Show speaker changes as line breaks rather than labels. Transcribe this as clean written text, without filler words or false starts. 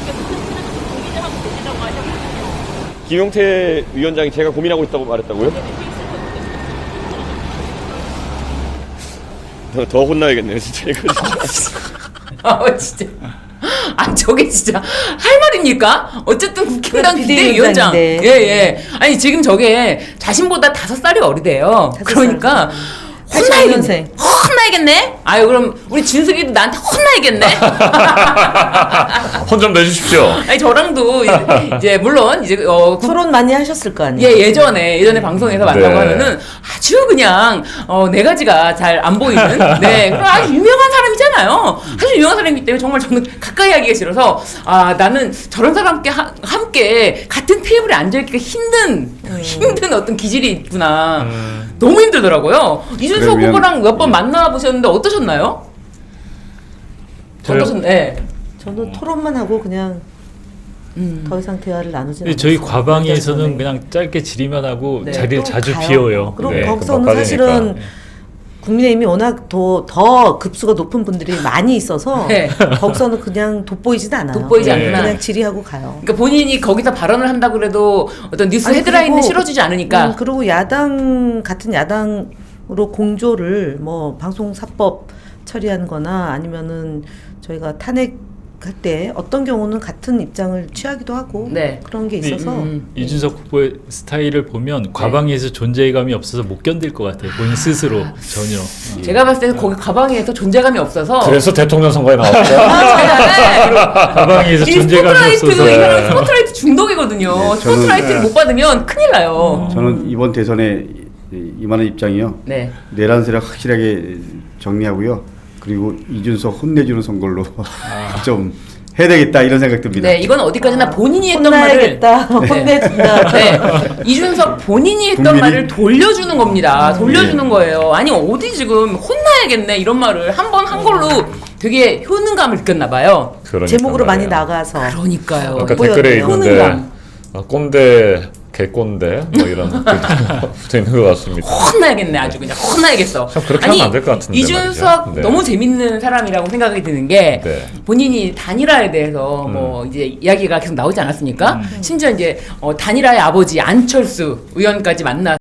김용태 위원장이 제가 고민하고 있다고 말했다고요? 더 혼나야겠네요, 진짜 이거 진짜.
진짜. 저게 진짜 할 말입니까? 어쨌든 국힘당 비대위원장. 예. 아니 지금 저게 자신보다 5살이 어리대요. 그러니까 혼나야겠네. 혼나야겠네. 아유 그럼 우리 진숙이도 나한테 혼나야겠네.
혼 좀 내주십시오.
아니 저랑도 이제 물론 이제
토론 많이 하셨을 거 아니에요?
예전에 방송에서 만나고
네.
하면은 아주 그냥 네 가지가 잘 안 보이는 그런 아주 유명한 사람이잖아요. 아주 유명한 사람이기 때문에 정말 저는 가까이 하기가 싫어서 나는 저런 사람께 함께 같은 테이블에 앉아 있기가 힘든 어떤 기질이 있구나. 너무 힘들더라고요. 이준석 후보랑 몇 번 만나보셨는데 어떠셨나요? 네.
저는 토론만 하고 그냥 더 이상 대화를 나누지 않았어요.
저희 과방위에서는 그냥 짧게 질의만 하고
네.
자리를
또
자주
가요.
비워요.
그리고
네.
거기서는
금방
사실은
빠지니까.
국민의힘이 워낙 더 급수가 높은 분들이 많이 있어서
네.
거기서는 그냥 돋보이진 않아요.
돋보이지
않구나.
그냥 질의하고 가요.
그러니까 본인이 거기서 발언을 한다 그래도 어떤 뉴스
아니,
헤드라인을
그리고,
실어주지 않으니까.
그리고 같은 야당으로 공조를 뭐 방송사법 처리하는 거나 아니면은 저희가 탄핵할 때 어떤 경우는 같은 입장을 취하기도 하고
네.
그런 게
근데
있어서
이준석 후보의 스타일을 보면 과방위에서 존재감이 없어서 못 견딜 것 같아요. 본인 스스로 전혀.
제가 봤을 때는 거기 가방에서 존재감이 없어서
그래서 대통령 선거에 나왔죠.
과방위에서
이
존재감이
스포트라이트
없어서.
이 사람은 스포트라이트 중독이거든요.
네, 저는-
스포트라이트를 못 받으면 큰일 나요.
저는 이번 대선에 임하는 입장이요.
네.
내란세를 확실하게 정리하고요. 그리고 이준석 혼내주는 선거로 좀 해야 되겠다 이런 생각 듭니다.
네, 이건 어디까지나 본인이 했던 말을
혼나야겠다. 혼내준다.
네. 이준석 본인이 했던
국민이-
말을 돌려주는 겁니다. 돌려주는 거예요. 아니 어디 지금 혼나야겠네 이런 말을 한 번 한 걸로 되게 효능감을 느꼈나 봐요.
그러니까
제목으로 많이
말이에요.
나가서
그러니까요.
아까
보여요.
댓글에 있는데
효능감.
꼰대, 개꼰대 뭐 이런 댓글도 붙어 있는 것 같습니다.
혼나야겠네 아주 그냥 혼나야겠어.
참 그렇게 하면 안될것 같은데
이준석
말이죠. 네.
너무 재밌는 사람이라고 생각이 드는 게
네.
본인이 단일화에 대해서 뭐 이제 이야기가 계속 나오지 않았습니까? 심지어 이제 단일화의 아버지 안철수 의원까지 만나